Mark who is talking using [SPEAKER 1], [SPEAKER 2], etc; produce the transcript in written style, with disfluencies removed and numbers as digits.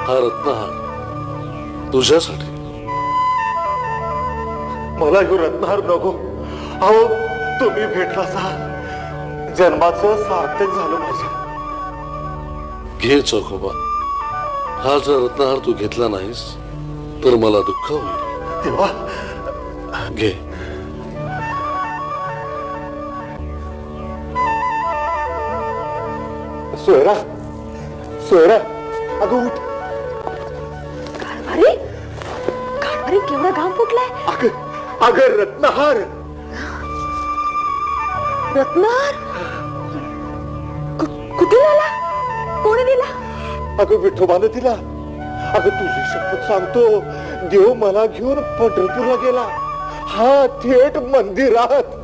[SPEAKER 1] हा रत्नहार तुझ्यासाठी.
[SPEAKER 2] मला ह्यो रत्नहार नको. अहो तुम्ही भेटला सा जन्माचं सार्थक झालं माझं.
[SPEAKER 1] घे चोखोबा. हा जर रत्नहार तू घेतला नाहीस तर मला दुःख होईल.
[SPEAKER 2] तेव्हा
[SPEAKER 1] घे.
[SPEAKER 2] सोयरा सोयरा अगं उठ.
[SPEAKER 3] अरे अरे केवढा घाम फुटलाय.
[SPEAKER 2] अगं रत्नहार.
[SPEAKER 3] रत्नहार कुठे आला? कोणी दिला?
[SPEAKER 2] अगं विठोबानं दिला. अगं तुझी शपथ सांगतो देव मला घेऊन पंढरपूरला गेला. हा थेट मंदिरात.